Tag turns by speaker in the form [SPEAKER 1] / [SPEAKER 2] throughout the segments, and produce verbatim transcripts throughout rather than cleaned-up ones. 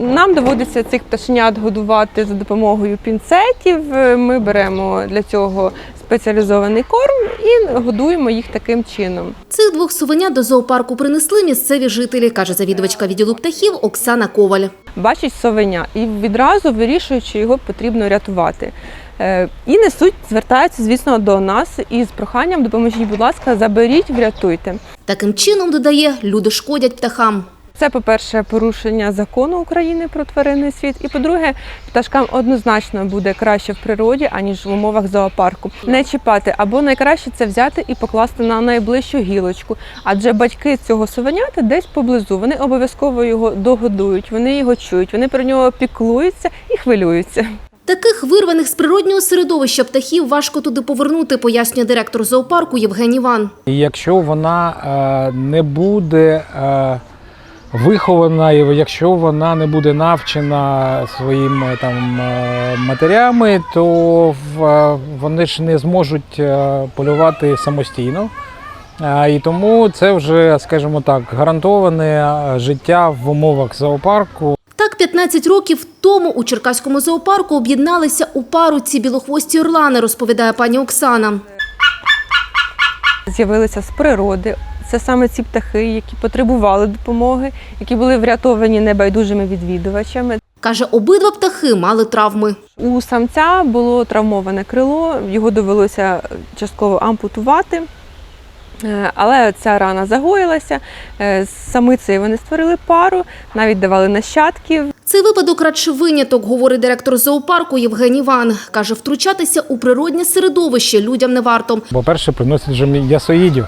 [SPEAKER 1] Нам доводиться цих пташенят годувати за допомогою пінцетів. Ми беремо для цього спеціалізований корм і годуємо їх таким чином.
[SPEAKER 2] Цих двох совенят до зоопарку принесли місцеві жителі, каже завідувачка відділу птахів Оксана Коваль.
[SPEAKER 1] Бачить совеня і відразу вирішують, що його потрібно рятувати. І несуть, звертаються, звісно, до нас із проханням: допоможіть, будь ласка, заберіть, врятуйте.
[SPEAKER 2] Таким чином, додає, люди шкодять птахам.
[SPEAKER 1] Це, по-перше, порушення закону України про тваринний світ. І, по-друге, пташкам однозначно буде краще в природі, аніж в умовах зоопарку. Не чіпати, або найкраще це взяти і покласти на найближчу гілочку. Адже батьки цього совенята десь поблизу. Вони обов'язково його догодують, вони його чують, вони про нього піклуються і хвилюються.
[SPEAKER 2] Таких вирваних з природнього середовища птахів важко туди повернути, пояснює директор зоопарку Євгеній Ван.
[SPEAKER 3] Якщо вона е, не буде е, вихована, і якщо вона не буде навчена своїми там матерями, то вони ж не зможуть полювати самостійно. І тому це вже, скажімо так, гарантоване життя в умовах зоопарку.
[SPEAKER 2] Так, п'ятнадцять років тому у Черкаському зоопарку об'єдналися у пару ці білохвості орлани, розповідає пані Оксана.
[SPEAKER 1] З'явилися з природи. Це саме ці птахи, які потребували допомоги, які були врятовані небайдужими відвідувачами.
[SPEAKER 2] Каже, обидва птахи мали травми.
[SPEAKER 1] У самця було травмоване крило, його довелося частково ампутувати. Але ця рана загоїлася, з самицею вони створили пару, навіть давали нащадків.
[SPEAKER 2] Цей випадок радше виняток, говорить директор зоопарку Євгеній Ван. Каже, втручатися у природне середовище людям не варто.
[SPEAKER 3] По-перше, приносять же м'ясоїдів.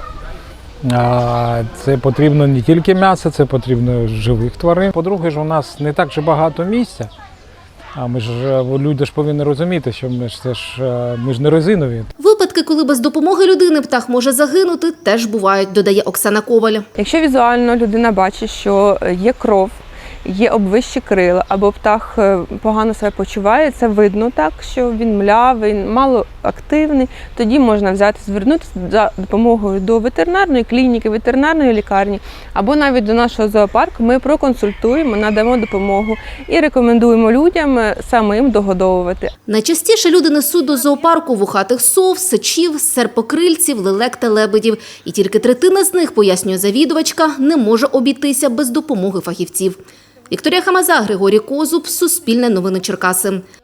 [SPEAKER 3] Це потрібно не тільки м'ясо, це потрібно живих тварин. По-друге, ж у нас не так же багато місця. А ми ж, люди ж повинні розуміти, що ми ж, це ж, ми ж не резинові.
[SPEAKER 2] Випадки, коли без допомоги людини птах може загинути, теж бувають, додає Оксана Коваль.
[SPEAKER 1] Якщо візуально людина бачить, що є кров, є обвищі крила, або птах погано себе почуває, це видно так, що він млявий, малоактивний, тоді можна взяти, звернутися за допомогою до ветеринарної клініки, ветеринарної лікарні, або навіть до нашого зоопарку. Ми проконсультуємо, надамо допомогу і рекомендуємо людям самим догодовувати.
[SPEAKER 2] Найчастіше люди несуть до зоопарку вухатих сов, сичів, серпокрильців, лелек та лебедів. І тільки третина з них, пояснює завідувачка, не може обійтися без допомоги фахівців. Вікторія Хамаза, Григорій Козуб, Суспільне новини Черкаси.